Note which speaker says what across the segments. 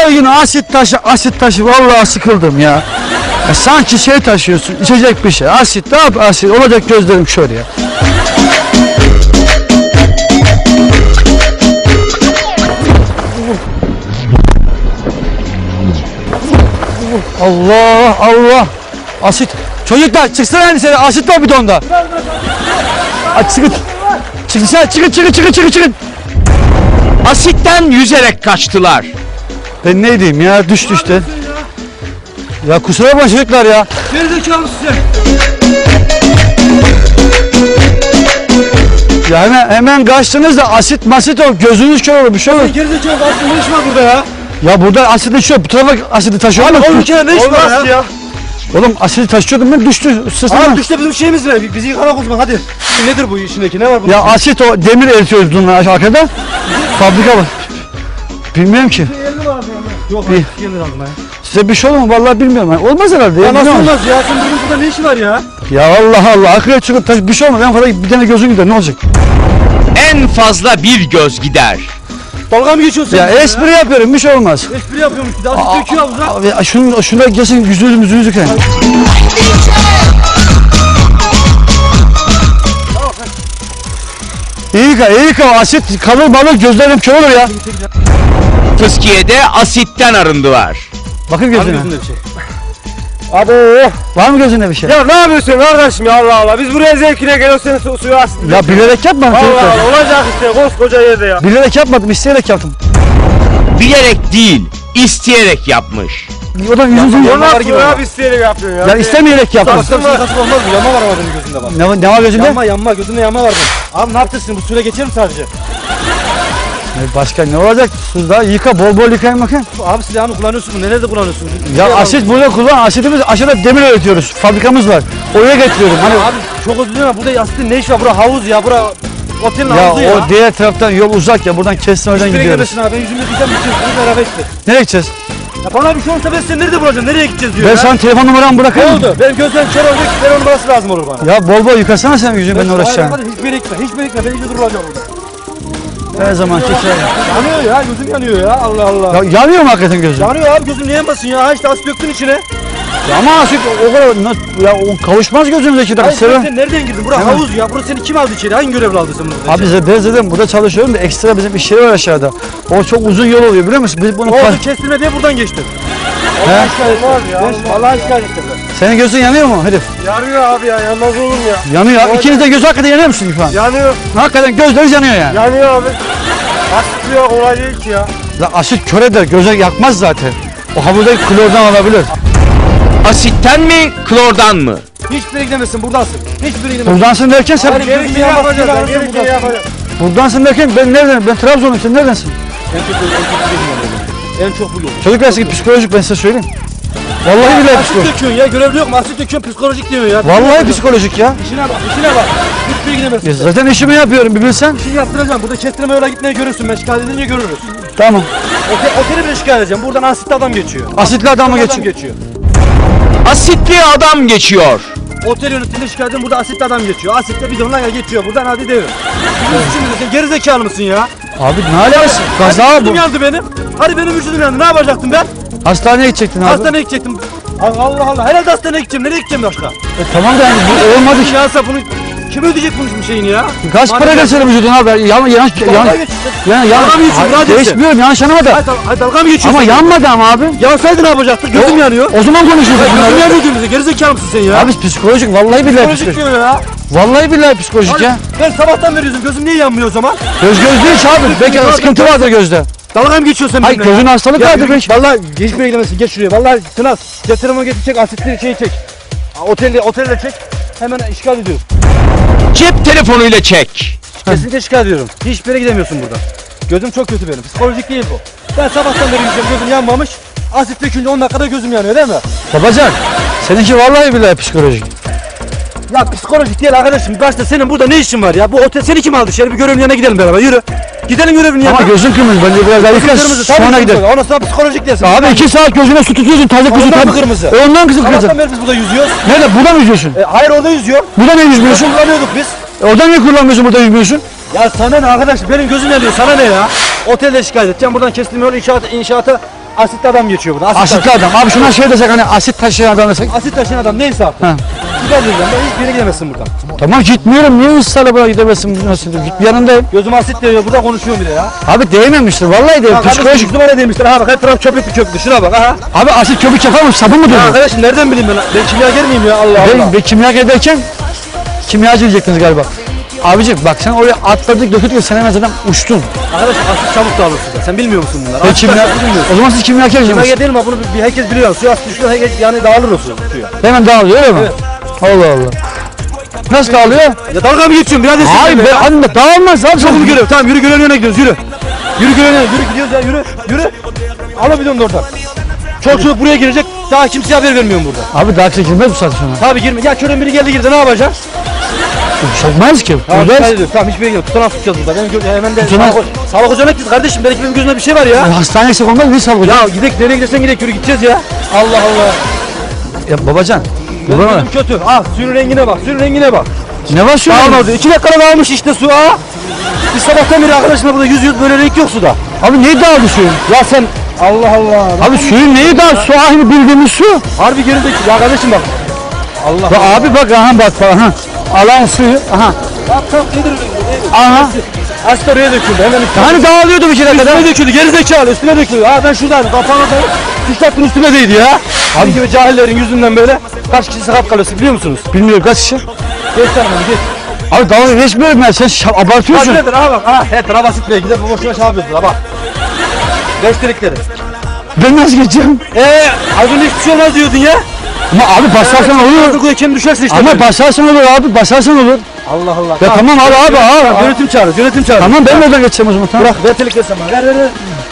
Speaker 1: Her gün asit taşı vallahi sıkıldım ya. Sanki şey taşıyorsun, içecek bir şey. Asit, ne yap asit? Olacak gözlerim şöyle ya. Allah Allah. Asit. Çocuklar çıksana hani seni, asit var bidonda. Çıkın.
Speaker 2: Asitten yüzerek kaçtılar.
Speaker 1: Ben ne diyeyim ya, düştü işte. Ya kusura bakma çocuklar ya.
Speaker 3: Gerizekalı size.
Speaker 1: Ya hemen kaçtınız da asit masit ol, gözünüz kör olur, bir şey olur.
Speaker 3: Gerizekalı aslında ne iş var burada ya?
Speaker 1: Ya burada asidi şu, bu tarafa asidi taşıyor.
Speaker 3: Abi o ülkede ne iş var ya?
Speaker 1: Oğlum asidi taşıyordum ben, düştü.
Speaker 3: Abi düştü bizim şeyimiz ne? Bizi yıkarak o zaman hadi. Nedir bu işindeki, ne var burada?
Speaker 1: Ya asit o, demir eritiyoruz bunlar arkada. Fabrika var. Bilmiyorum ki.
Speaker 3: 50 var Yok
Speaker 1: İyi.
Speaker 3: 50 aldım ya.
Speaker 1: Size bir şey olur mu? Vallahi bilmiyorum. Yani olmaz herhalde.
Speaker 3: Ya nasıl
Speaker 1: bilmiyorum.
Speaker 3: olmaz ya? Sen bugün burada ne işi var ya?
Speaker 1: Ya Allah akıya çıkıp taş, bir şey olmaz. En fazla bir tane gözün gider, ne olacak?
Speaker 2: En fazla bir göz gider.
Speaker 3: Dalga mı geçiyorsun
Speaker 1: Ya
Speaker 3: sen?
Speaker 1: espri yapıyorum, bir şey olmaz.
Speaker 3: Espri yapıyormuş bir de asit döküyor havuza.
Speaker 1: Abi şuna gelsin, yüzünüzü yıkayın. İyi yıka, asit kalır balık, gözlerim kör olur ya.
Speaker 2: Fıskiye'de asitten arındılar.
Speaker 1: Bakın gözüne.
Speaker 3: Gözünde bir şey.
Speaker 1: Abi var mı gözünde bir şey?
Speaker 3: Ya ne yapıyorsun kardeşim ya, Allah Allah. Biz buraya zevkine geliyoruz, senin suyu asit.
Speaker 1: Ya bilerek yapmadım.
Speaker 3: Allah Allah, olacak işte koskoca yerde ya.
Speaker 1: Bilerek yapmadım, isteyerek yaptım.
Speaker 2: Bilerek değil, isteyerek yapmış.
Speaker 1: O da yüzünüzü
Speaker 3: O nasıl ya, biz isteyerek yapıyorsun ya.
Speaker 1: Ya istemeyerek yaptım.
Speaker 3: Kasım olmaz mı? Yama var ama benim gözümde bak.
Speaker 1: Ne var gözünde?
Speaker 3: Yanma, gözünde yama var benim. Abi ne yaptırsın, bu suyla geçer mi sadece?
Speaker 1: Başka ne olacak? Suda yıka, bol yıkayın bakayım.
Speaker 3: Abi silahını kullanıyorsun mu? Nerede kullanıyorsun?
Speaker 1: Ya asit burada kullan, asitimiz aşağıda demir üretiyoruz. Fabrikamız var. Oraya getiriyorum. Hani
Speaker 3: Abi çok özür dilerim, burada asitin ne iş var? Bura havuz ya, bura otelin
Speaker 1: ya
Speaker 3: havuzu ya.
Speaker 1: o diğer taraftan yol uzak ya, buradan kestin oradan
Speaker 3: Nereye
Speaker 1: gidiyoruz.
Speaker 3: gidiyorsun abi? Ben yüzümü yıkayacağım, bitiyorsun. Beraber işte.
Speaker 1: Nereye gideceğiz?
Speaker 3: Ya bana bir şey olursa ben seni nerede bulacağım? Nereye gideceğiz diyor
Speaker 1: Ben
Speaker 3: ya.
Speaker 1: sana telefon numaramı
Speaker 3: Ne
Speaker 1: bırakayım.
Speaker 3: oldu? Benim gözlerim kör olacak, telefon numarası lazım olur bana.
Speaker 1: Ya bol yıkasana sen yüzünü, ben uğraşacağım.
Speaker 3: Hadi hiçbir yere gitme, hiçbir yere gitme. Ben yüzümü bulacağım burada.
Speaker 1: Her zaman şey.
Speaker 3: Yanıyor ya, gözüm yanıyor ya. Allah Allah.
Speaker 1: Ya yanıyor mu hakikaten gözün?
Speaker 3: Yanıyor abi, gözüm niye yanmasın ya? Ha işte asit döktün içine.
Speaker 1: Ya ama asit o kadar ya o kavuşmaz gözümüzdeki
Speaker 3: Hayır
Speaker 1: dakika.
Speaker 3: sen nereden girdin? Bura havuz ya. Burası seni kim aldı içeri? Hangi görevle aldı sen burada?
Speaker 1: Abi ben zaten burada çalışıyorum da ekstra bizim iş yeri var aşağıda. O çok uzun yol oluyor biliyor musun? Biz bunu
Speaker 3: Oldu kestirme diye buradan geçtim. Allah şikayet var ya. Allah şikayet ettim ben.
Speaker 1: Senin gözün yanıyor mu herif?
Speaker 3: Yanıyor abi ya, yanmaz olur mu ya?
Speaker 1: Yanıyor. İkiniz de gözü hakikaten yanıyor musun İrfan?
Speaker 3: Yanıyor.
Speaker 1: Hakikaten gözleriniz yanıyor yani.
Speaker 3: Yanıyor abi. Asit yok, olay değil ki ya.
Speaker 1: La asit kör eder, göze yakmaz zaten. O havuzdaki klordan alabilir.
Speaker 2: Asitten mi, klordan mı?
Speaker 3: Hiçbir yere gidemezsin, buradasın. Hiçbir yere gidemezsin.
Speaker 1: Buradansın derken sen...
Speaker 3: Hayır, gerekli yapacağız, gerekli yapacağız.
Speaker 1: Buradansın derken ben neredenim? Ben Trabzon'um, sen neredensin?
Speaker 3: En çok bu yol.
Speaker 1: Çocuklar sizin psikolojik, ben size söyleyeyim. Vallahi billahi
Speaker 3: Asit
Speaker 1: psikolojik.
Speaker 3: döküyorsun ya, görevli yok mu? Asit döküyorsun, psikolojik diyor ya.
Speaker 1: Vallahi psikolojik ya.
Speaker 3: İşine bak, işine bak. Hiçbir yere gidemezsin.
Speaker 1: Ya zaten işimi yapıyorum bir bilsen.
Speaker 3: Bir şey yaptıracağım. Burada kestirme yola gitmeye görürsün. Ben şikayet edince görürüz.
Speaker 1: Tamam.
Speaker 3: Oteli bile şikayet edeceğim. Buradan asitli adam geçiyor.
Speaker 1: Asitli adamı
Speaker 3: Adam
Speaker 1: geçin.
Speaker 3: geçiyor.
Speaker 2: Asitli adam geçiyor.
Speaker 3: Otel yönetiminde şikayet edin. Burada asitli adam geçiyor. Asitle bidonla ya geçiyor. Buradan hadi devir. Şimdi sen geri zekalı mısın ya?
Speaker 1: Abi ne alakası? Kaza
Speaker 3: Hadi
Speaker 1: bu.
Speaker 3: vücudum yandı benim. Hadi benim vücudum yandı. Ne yapacaktım ben?
Speaker 1: Hastaneye gidecektin abi.
Speaker 3: Hastaneye gidecektim. Allah Allah. Herhalde hastaneye gideceğim. Nereye gideceğim başka?
Speaker 1: Tamam da yani bu olmadı ki.
Speaker 3: Yansa bunu kim ödeyecek bunun şeyini ya?
Speaker 1: Kaç para geçerim vücuduna abi? Yanlış
Speaker 3: Dalga mı geçiyorsun? Hadi
Speaker 1: geçmiyorum, yanlış anlama da.
Speaker 3: Hayır dalga mı geçiyorsun?
Speaker 1: Ama yanmadı ama abi.
Speaker 3: Yansaydı ne yapacaktık? Gözüm yanıyor.
Speaker 1: O zaman konuşuruz
Speaker 3: Gözüm
Speaker 1: bunları.
Speaker 3: yanıyor diyorsun bize. Gerizekalı mısın sen ya?
Speaker 1: Abi psikolojik, vallahi billahi
Speaker 3: Psikolojik
Speaker 1: psikolojik.
Speaker 3: diyor ya.
Speaker 1: Vallahi billahi psikolojik ya.
Speaker 3: Ben sabahtan beri yüzüm. Gözüm niye yanmıyor o zaman?
Speaker 1: Göz değil ki abi. Belki sıkıntı vardır gözde.
Speaker 3: Dalga mı geçiyorsun sen
Speaker 1: Hayır
Speaker 3: benimle ya?
Speaker 1: gözün hastalık
Speaker 3: Ya
Speaker 1: vardır
Speaker 3: yürü
Speaker 1: belki.
Speaker 3: git, vallahi geçmeye gidemezsin. Geç şuraya. Vallahi Tınaz. Getirime getirecek asitli şeyi çek. Otelde çek. Hemen işgal ediyoruz.
Speaker 2: Cep telefonuyla çek.
Speaker 3: Kesinlikle şikayet ediyorum. Hiçbir yere gidemiyorsun burada. Gözüm çok kötü benim. Psikolojik değil bu. Ben sabahtan beri yüzüm, gözüm yanmamış. Asit dökünce 10 dakikada gözüm yanıyor değil mi?
Speaker 1: Babacan, seninki vallahi billahi psikolojik.
Speaker 3: Ya psikolojik değil arkadaşım. Başta senin burada ne işin var ya? Bu otel seni kim aldı içeri? Bir görevin yanına gidelim beraber. Yürü. Gidelim görevin yanına.
Speaker 1: Ama gözün kırmızı, bence biraz daha yıka sonra gidelim.
Speaker 3: Ondan sonra psikolojik dersin.
Speaker 1: Abi 2 saat gözüne su tutuyorsun, taze kuzu.
Speaker 3: Ondan mı kırmızı?
Speaker 1: Ondan kızım kırmızı.
Speaker 3: Sabahtan beri biz burada yüzüyoruz.
Speaker 1: Nerede? Burada mı yüzüyorsun?
Speaker 3: Hayır orada yüzüyor.
Speaker 1: Burada ne yüzmüyorsun?
Speaker 3: Kullanıyorduk biz.
Speaker 1: Orada niye kullanmıyorsun, burada yüzmüyorsun?
Speaker 3: Ya sana ne arkadaş? Benim gözüm yanıyor. Sana ne ya? Otelde şikayet edeceğim. Buradan kestim yol inşaata asitli adam geçiyor burada.
Speaker 1: Asitli adam. Abi şuna şey desek hani asit taşıyan adam desek.
Speaker 3: Asit taşıyan adam neyse artık.
Speaker 1: Ha.
Speaker 3: Gider diyeceğim ben hiçbir yere gidemezsin buradan.
Speaker 1: Tamam gitmiyorum. Niye ısrarla buraya gidemezsin? Nasıl? Git yanındayım.
Speaker 3: Gözüm asit diyor burada konuşuyorum bir de ya.
Speaker 1: Abi değmemiştir. Vallahi değil. Psikolojik.
Speaker 3: Numara demişler ha bak her taraf köpüklü köpüklü şuna bak ha.
Speaker 1: Abi asit köpük yapar mı? Sabun mu
Speaker 3: Ya
Speaker 1: dövüyor?
Speaker 3: arkadaşım nereden bileyim ben kimyager miyim ya Allah Allah.
Speaker 1: Ben kimyager derken kimyacı diyecektiniz galiba. Abicim bak sen oraya atladık döküldük sen hemen zaten uçtun.
Speaker 3: Arkadaşım asit çabuk dağılır suda sen bilmiyor musun bunları?
Speaker 1: Ben
Speaker 3: Asit
Speaker 1: kimya...
Speaker 3: taşıyan bilmiyorsun.
Speaker 1: O zaman siz kimyagersiniz.
Speaker 3: Kimyager değil mi? Bunu herkes biliyor. Suya asit düşüyor herkes yani dağılır o suya.
Speaker 1: Hemen dağılıyor öyle mi?
Speaker 3: Evet.
Speaker 1: Allah Allah. Nasıl dağılıyor?
Speaker 3: Ya dalga mı geçiyorsun birader sen?
Speaker 1: Hayır be anne dağılmaz abi.
Speaker 3: Çok mu görüyorum? Tamam yürü görenin önüne gidiyoruz yürü. Yürü görenin önüne yürü gidiyoruz ya yürü. Yürü. Al o bidonu da oradan. Çocuk buraya girecek. Daha kimseye haber vermiyorum burada.
Speaker 1: Abi daha çekilmez bu saatte sonra.
Speaker 3: Tabii girme. Ya körün biri geldi girdi ne yapacaksın?
Speaker 1: Çekmez ki.
Speaker 3: Tamam,
Speaker 1: Buradayız.
Speaker 3: tamam hiçbir yere gidiyor. Tutanak tutacağız burada. Benim hemen de
Speaker 1: Tutanak-
Speaker 3: sağlık ocağına gittik kardeşim. Belki benim gözümde bir şey var ya.
Speaker 1: Hastaneye gitsek olmaz mı? Sağlık hocam.
Speaker 3: Ya gidek nereye gidersen gidek yürü gideceğiz ya. Allah Allah.
Speaker 1: Ya babacan.
Speaker 3: Gözüm
Speaker 1: Baba,
Speaker 3: kötü. Ah suyun rengine bak. Suyun rengine bak.
Speaker 1: ne var şu an?
Speaker 3: Dağılmadı. 2 dakikada dağılmış işte su ha. Biz sabahtan beri arkadaşımla burada yüz böyle renk yok suda.
Speaker 1: Abi neyi dağıldı suyun?
Speaker 3: Ya sen Allah Allah.
Speaker 1: Abi suyun neyi dağıldı? Su aynı bildiğimiz su.
Speaker 3: Harbi gerideki. Ya kardeşim bak. Allah.
Speaker 1: Ya abi bak aha bak falan. Ha. Alan suyu. Aha.
Speaker 3: Bak kalk nedir?
Speaker 1: Aha.
Speaker 3: Asit oraya döküldü. Hemen üstüne.
Speaker 1: Hani dağılıyordu bir kere kadar.
Speaker 3: Üstüne döküldü. Gerizekalı üstüne döküldü. Ha ben şuradaydım. Kafana da tişörtün üstüne değdi ya. Abi gibi cahillerin yüzünden böyle kaç kişi sakat kalıyorsun biliyor musunuz?
Speaker 1: Bilmiyorum kaç kişi.
Speaker 3: Geç sen bana geç.
Speaker 1: Abi dalga geçmiyorum ben. Sen abartıyorsun.
Speaker 3: Nedir ha bak ha. He traba sitmeye gider bu boşuna şey yapıyorsun ha bak. Beştirikleri.
Speaker 1: Ben nasıl geçeceğim?
Speaker 3: Az önce hiçbir şey olmaz diyordun ya.
Speaker 1: Ama abi basarsan olur.
Speaker 3: Burada kim düşersin işte.
Speaker 1: Ama
Speaker 3: böyle.
Speaker 1: basarsan olur abi. Basarsan olur.
Speaker 3: Allah Allah.
Speaker 1: Ya tamam abi.
Speaker 3: Yönetim çağırır. Yönetim çağırır.
Speaker 1: Tamam ben de oradan geçeceğim o zaman. Tamam.
Speaker 3: Bırak ver telik versen bana. Ver.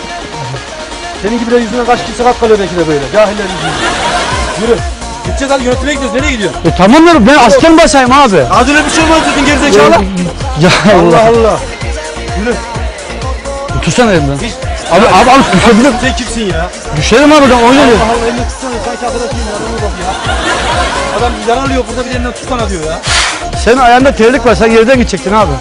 Speaker 3: Senin gibi de yüzünden kaç kişi sakat kalıyor belki de böyle. Cahiller yüzünden. Yürü. Gideceğiz hadi yönetime gidiyoruz. Nereye gidiyorsun?
Speaker 1: Tamam ya ben asken basayım abi.
Speaker 3: Az önce bir şey olmaz dedin gerizekalı.
Speaker 1: Ya
Speaker 3: Allah
Speaker 1: Allah.
Speaker 3: Allah. Yürü.
Speaker 1: Tutsana elimden.
Speaker 3: Hiç-
Speaker 1: Abi düşebilirim.
Speaker 3: Sen kimsin ya?
Speaker 1: Düşerim abi ben oynarım.
Speaker 3: Allah Allah elini tutsana. Sanki arkadaşıyım ya. Adamı bak ya. Adam yaralıyor burada bir elinden tutsana diyor ya.
Speaker 1: Senin ayağında terlik var. Sen yerden gidecektin abi.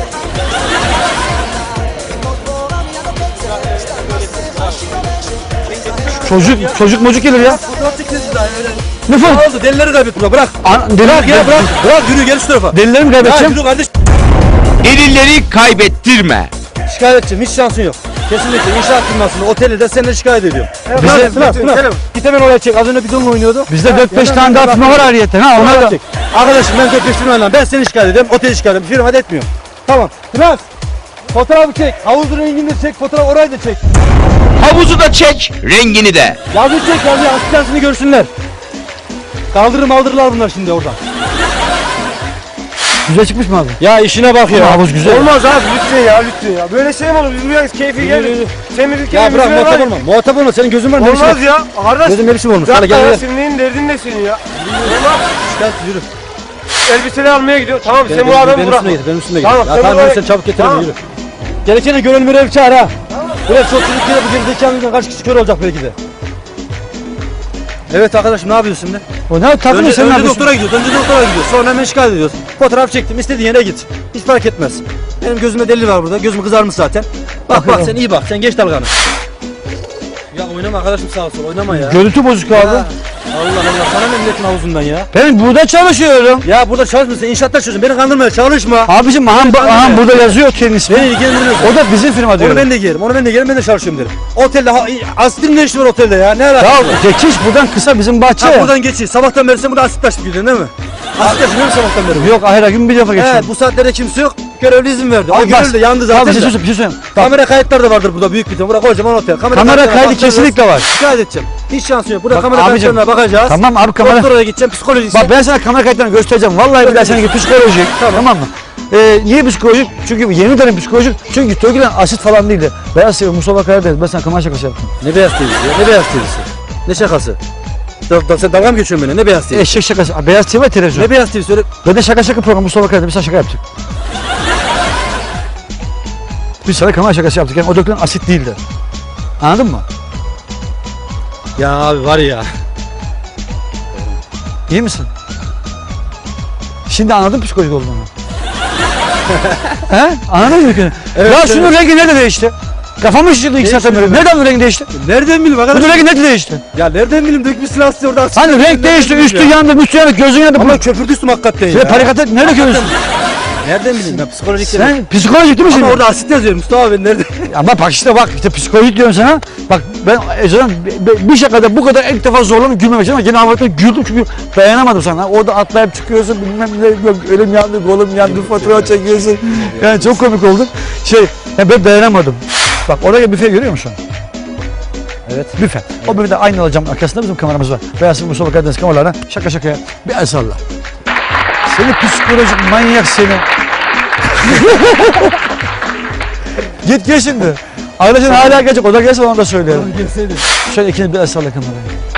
Speaker 1: Çocuk mocuk gelir ya.
Speaker 3: Fotoğraf çekeceğiz daha öyle.
Speaker 1: Ne
Speaker 3: Ne
Speaker 1: falan?
Speaker 3: oldu? Delileri kaybettiler. Bırak.
Speaker 1: Bırak
Speaker 3: Ya bırak. Bırak yürü gel şu tarafa.
Speaker 1: Delilerimi
Speaker 3: Ya
Speaker 1: kaybedeceğim.
Speaker 3: yürü kardeş.
Speaker 2: Delilleri kaybettirme.
Speaker 3: Şikayet edeceğim. Hiç şansın yok. Kesinlikle inşaat firmasında, otelde de seni şikayet ediyorum.
Speaker 1: Bize-
Speaker 3: Git hemen oraya çek. Az önce bidonla oynuyordu.
Speaker 1: Bizde 4-5 tane daha firma var ayrıyeten ha. Onlar da.
Speaker 3: Çek. Arkadaşım ben 4-5 firmayla ben seni şikayet ediyorum. Oteli şikayet ediyorum. Firma da etmiyor. Tamam. Biraz. Fotoğrafı çek. Havuzun rengini de çek. Fotoğraf orayı da çek.
Speaker 2: Havuzu da çek, rengini de.
Speaker 3: Yazı çek yazı. Asistansını görsünler. Kaldırırlar bunlar şimdi oradan.
Speaker 1: Güzel çıkmış mı abi?
Speaker 3: Ya işine bak
Speaker 1: Ama havuz güzel.
Speaker 4: Olmaz abi lütfen ya. Böyle şey mi olur? Biz buraya keyfi geldik. Sen bir
Speaker 3: Ya
Speaker 4: ülkeye
Speaker 3: bırak muhatap olma. Muhatap olma. Senin gözün var. Ne biçim?
Speaker 4: Olmaz ya. Kardeş.
Speaker 3: Gözün ne biçim olmuş? Hadi
Speaker 4: Bırak
Speaker 3: gel
Speaker 4: ya.
Speaker 3: gel.
Speaker 4: Senin neyin derdin ne senin ya?
Speaker 3: Şikayet yürü.
Speaker 4: Elbiseleri almaya gidiyor. Tamam sen bu
Speaker 3: Benim
Speaker 4: adamı bırak.
Speaker 3: üstüme git. Benim üstüme git.
Speaker 4: Tamam,
Speaker 3: Ya
Speaker 4: sen
Speaker 3: tamam
Speaker 4: buraya-
Speaker 3: yürü sen çabuk getir
Speaker 4: Tamam.
Speaker 3: beni yürü. Gerekene gönül mürev çağır ha. Böyle çok çocuk yere bu gerizekalı yüzünden kaç kişi kör olacak belki de. Evet arkadaşım ne yapıyorsun şimdi?
Speaker 1: O ne takımı
Speaker 3: Önce,
Speaker 1: sen ne
Speaker 3: önce
Speaker 1: yapıyorsun?
Speaker 3: doktora gidiyoruz. Sonra hemen şikayet ediyoruz. Fotoğraf çektim. İstediğin yere git. Hiç fark etmez. Benim gözümde deli var burada. Gözüm kızarmış zaten. Bak sen iyi bak. Sen geç dalganı. Ya oynama arkadaşım sağa sola oynama ya.
Speaker 1: Görüntü bozuk abi.
Speaker 3: Ya, Allah Allah sana ne milletin havuzundan ya.
Speaker 1: Ben burada çalışıyorum.
Speaker 3: Ya burada çalışmıyorsun. İnşaatta çalışıyorsun. Beni kandırmaya çalışma.
Speaker 1: Abicim aha burada yazıyor otelin ismi.
Speaker 3: Beni ilgilendirmez.
Speaker 1: O da bizim firma
Speaker 3: Onu
Speaker 1: diyor.
Speaker 3: ben de giyerim. Ben de çalışıyorum derim. Otelde asitin ne işi var otelde ya? Ne alakası
Speaker 1: Ya
Speaker 3: var?
Speaker 1: geçiş buradan kısa bizim bahçe.
Speaker 3: Ha
Speaker 1: ya.
Speaker 3: buradan geçiyor. Sabahtan beri sen burada asit taşıp gidiyorsun değil mi? Asit taşıyor musun sabahtan beri?
Speaker 1: Yok hayır gün bir defa geçiyorum.
Speaker 3: Evet bu saatlerde kimse yok. Görevli izin verdi. O
Speaker 1: Abi
Speaker 3: görevli de yandı zaten.
Speaker 1: Abi bir
Speaker 3: de.
Speaker 1: şey söyleyeyim. Bak,
Speaker 3: Kamera kayıtları da vardır burada büyük bir tane. Burada kocaman otel.
Speaker 1: Kamera
Speaker 3: kayıtlarına
Speaker 1: kaydı
Speaker 3: bakacağız.
Speaker 1: kesinlikle var.
Speaker 3: Şikayet edeceğim. Hiç şansın yok. Burada
Speaker 1: Bak
Speaker 3: kamera
Speaker 1: abicim,
Speaker 3: kayıtlarına bakacağız.
Speaker 1: Tamam abi kamera.
Speaker 3: Doktora gideceğim psikolojisi.
Speaker 1: Bak ben sana kamera kayıtlarını göstereceğim. Vallahi billahi seninki psikolojik. Tamam mı? Niye psikolojik? Çünkü yemin ederim psikolojik. Çünkü Tögülen asit falan değildi. Beyaz TV Mustafa Karadeniz. Ben sana kamera şakası yaptım.
Speaker 3: Ne beyaz TV'si ya? Ne beyaz TV'si? Ne şakası? Sen dalga mı geçiyorsun benimle? Ne beyaz TV?
Speaker 1: Eşek şakası. Beyaz TV ve televizyon.
Speaker 3: Ne beyaz TV söyle.
Speaker 1: Ben de şaka programı Mustafa Karadeniz. Biz sana şaka yaptık. Biz sana kamera şakası yaptık. Yani o dökülen asit değildi. Anladın mı?
Speaker 3: Ya abi var ya.
Speaker 1: İyi misin? Şimdi anladın psikolojik olduğunu. He? Anladın mı?
Speaker 3: Evet,
Speaker 1: Ya şunun rengi nerede değişti? Kafamı şişirdi 2 saatten beri. Nereden renk değişti?
Speaker 3: Nereden bileyim
Speaker 1: Bu
Speaker 3: arkadaşım?
Speaker 1: renk ne değişti?
Speaker 3: Ya nereden bileyim dökmüşsün lastiği orada.
Speaker 1: Hani renk değişti, üstü yandı, üstü yandı, gözün yandı.
Speaker 3: Ama köpürtüsün hakikaten
Speaker 1: Şöyle
Speaker 3: ya.
Speaker 1: parikatı nerede görüyorsun?
Speaker 3: Nereden bileyim ben psikolojik
Speaker 1: Sen psikolojik değil misin?
Speaker 3: Ama orada asit yazıyor Mustafa abi nerede?
Speaker 1: Ama bak işte psikolojik diyorum sana. Bak ben Ece'den bir şakada bu kadar ilk defa zorlanıp gülmemek için ama yine havada güldüm çünkü dayanamadım sana. Orada atlayıp çıkıyorsun bilmem ne yok elim yandı kolum yandı fatura çekiyorsun. Yani çok komik oldu. Yani ben dayanamadım. Bak orada büfe görüyor musun?
Speaker 3: Evet.
Speaker 1: Büfe. O büfede aynı alacağım arkasında bizim kameramız var. Beyaz Mustafa Karadeniz kameralarına şaka şakaya bir el salla. Seni psikolojik manyak seni. Git gel şimdi. Arkadaşın hala gelecek. O da gelse ona da söylerim.
Speaker 3: Gelseydi.
Speaker 1: Şöyle ikiniz bir el salla kameraya.